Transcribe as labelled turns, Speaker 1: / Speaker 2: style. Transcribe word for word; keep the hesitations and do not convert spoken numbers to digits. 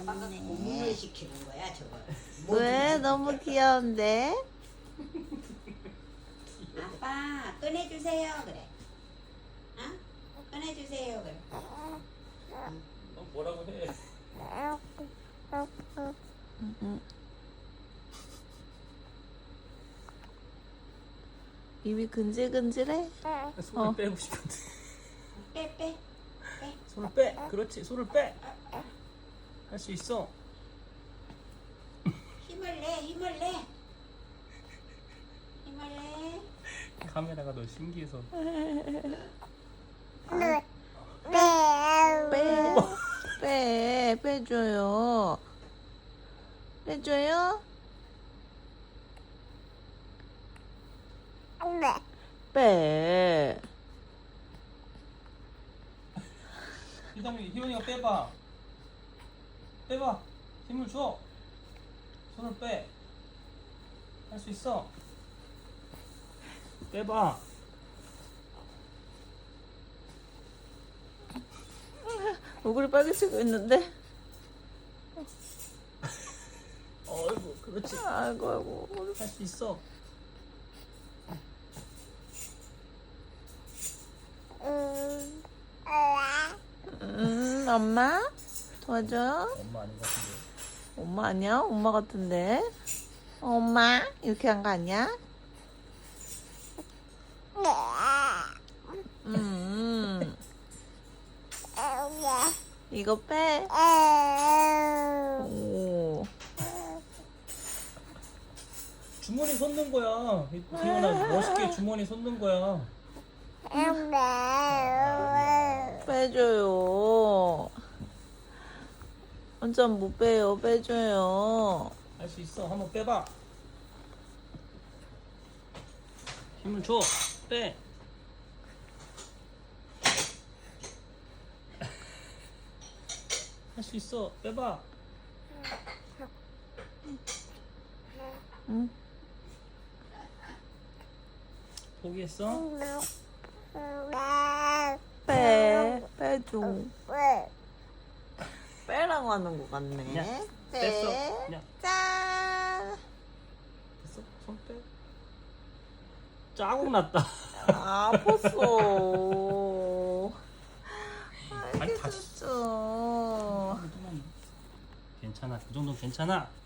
Speaker 1: 아빠가 고문을 시키는 거야 저거.
Speaker 2: 왜? 너무 귀여운데?
Speaker 1: 아빠 꺼내주세요 그래. 어? 꺼내주세요 그래.
Speaker 3: 너 뭐라고 해?
Speaker 2: 응, 응. 입이 근질근질해?
Speaker 3: 손을
Speaker 2: 어.
Speaker 3: 빼고 싶은데.
Speaker 1: 빼 빼. 빼.
Speaker 3: 손을 빼. 그렇지. 손을 빼. 할 수 있어.
Speaker 1: 힘을 내 힘을 내. 힘을 내.
Speaker 3: 카메라가 너 신기해서.
Speaker 2: 빼, 빼, 빼줘요. 빼줘요? 빼.
Speaker 3: 희담이, 희원이가 빼봐. 빼봐. 힘을 줘. 손을 빼. 할 수 있어. 빼봐.
Speaker 2: 얼굴이 빨개지고 있는데?
Speaker 3: 어이구, 그렇지.
Speaker 2: 아이고, 아이고.
Speaker 3: 할 수 있어.
Speaker 2: 음, 엄마? 도와줘?
Speaker 3: 엄마 아닌 것 같은데.
Speaker 2: 엄마 아니야? 엄마 같은데? 엄마? 이렇게 한 거 아니야? 음, 이거 빼. 오.
Speaker 3: 주머니 솟는 거야. 희원아, 멋있게 주머니 솟는 거야.
Speaker 2: 빼줘요. 완전 못 빼요. 빼줘요.
Speaker 3: 할 수 있어. 한번 빼봐. 힘을 줘. 빼. 할 수 있어. 빼봐.
Speaker 2: 응?
Speaker 3: 포기했어?
Speaker 2: 빼. 빼줘. 빼라고 하는 것 같네.
Speaker 3: 야,
Speaker 2: 빼.
Speaker 3: 뺐어. 야.
Speaker 2: 짠.
Speaker 3: 됐어? 손 빼. 자국 났다.
Speaker 2: 아, 아팠어.
Speaker 3: 아니, 다시.
Speaker 2: 알겠어.
Speaker 3: 괜찮아. 그 정도는 괜찮아.